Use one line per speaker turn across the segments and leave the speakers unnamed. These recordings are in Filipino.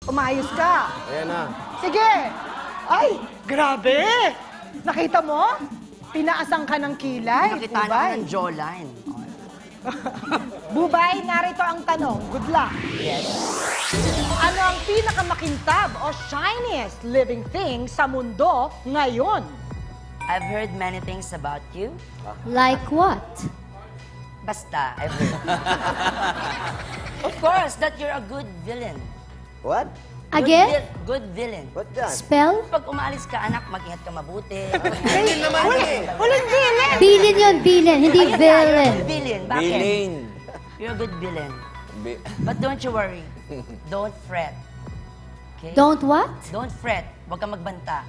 Umayos ka.
Ayan na.
Sige. Ay, grabe. Nakita mo? Tinaasan ka ng kilay.
Nakita na ng jawline.
Bubay, narito ang tanong. Good luck.
Yes.
Ano ang pinakamakintab o shiniest living thing sa mundo ngayon?
I've heard many things about you.
Like what?
Basta, I've heard. Of course, that you're a good villain.
What?
Again?
Good villain.
What that?
Spell?
Pag umalis ka, anak, mag-ingat ka mabuti.
Hindi naman eh.
Walang villain!
Bilin yun, bilin, hindi
Ayun nga,
villain.
you're a villain. Bakit?
Bilin.
You're a good villain. But don't you worry. Don't fret. Okay?
Don't what?
Don't fret. Huwag kang magbanta.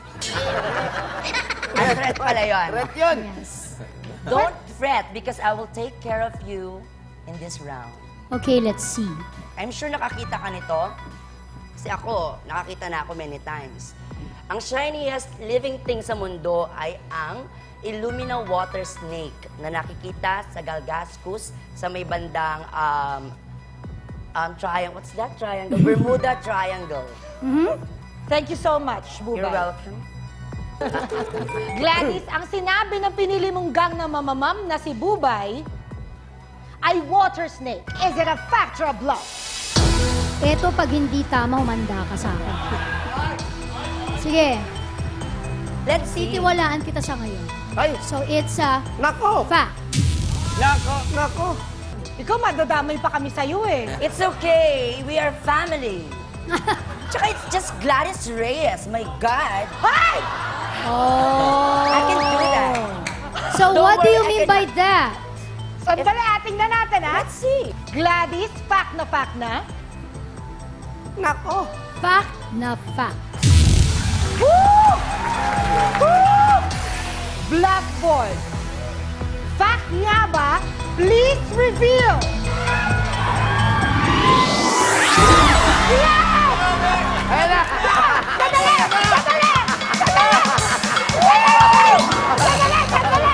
Ang fret pala yun.
Red yun.
Yes.
Don't fret because I will take care of you in this round.
Okay, let's see.
I'm sure nakakita ka nito. Kasi ako, nakakita na ako many times. Ang shiniest living thing sa mundo ay ang Illumina water snake na nakikita sa Galgascus sa may bandang triangle. What's that triangle? Bermuda Triangle.
Thank you so much, Bubay.
You're welcome.
Gladys, ang sinabi ng pinili mong gang na mamamam na si Bubay ay water snake. Is it a fact or a bluff?
Eto, pag hindi tama, humanda ka sa akin. Sige,
Let's see.
titiwalaan kita sa ngayon.
Ay,
So, it's a
nako.
fact.
Nako. Nako.
Ikaw, madadamay pa kami sa'yo eh.
It's okay. We are family. Tsaka it's just Gladys Reyes. My God.
Ay!
Oh.
I can do that.
So,
Don't
what do
worry,
you
I
mean
can-
by that?
Sandali, tingnan natin ha.
Let's see.
Gladys, fact na.
Nako.
Fact na fact.
Woo! Woo! Blackboard. Fact nga ba? Please reveal. Yes!
Ayan na.
Sandali! Sandali! Sandali! Sandali!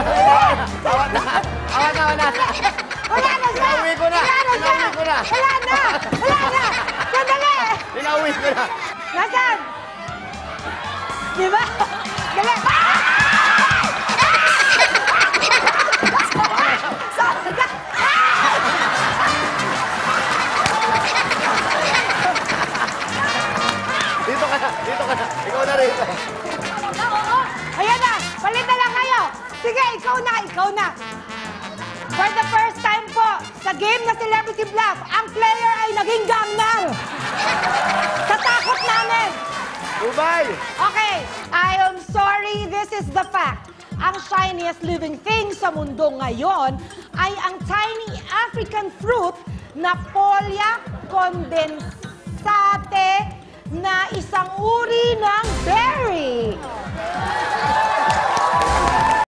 Awan na.
Wala na siya!
Pinauwi ko na.
Wala na siya!
Pinauwi ko na.
Wala na! Wala na! Sandali!
Pinauwi ko na.
Nasaan? Di ba? Dali!
Dito ka na. Ikaw na rin.
Ayan na! Palit na lang kayo! Sige, ikaw na! For the first time po, sa game na Celebrity Bluff, ang player ay naging gangnam! Sa takot namin!
Bubay.
Okay, I am sorry, this is the fact. Ang shiniest living thing sa mundo ngayon ay ang tiny African fruit na Pollia condensate na isang uri ng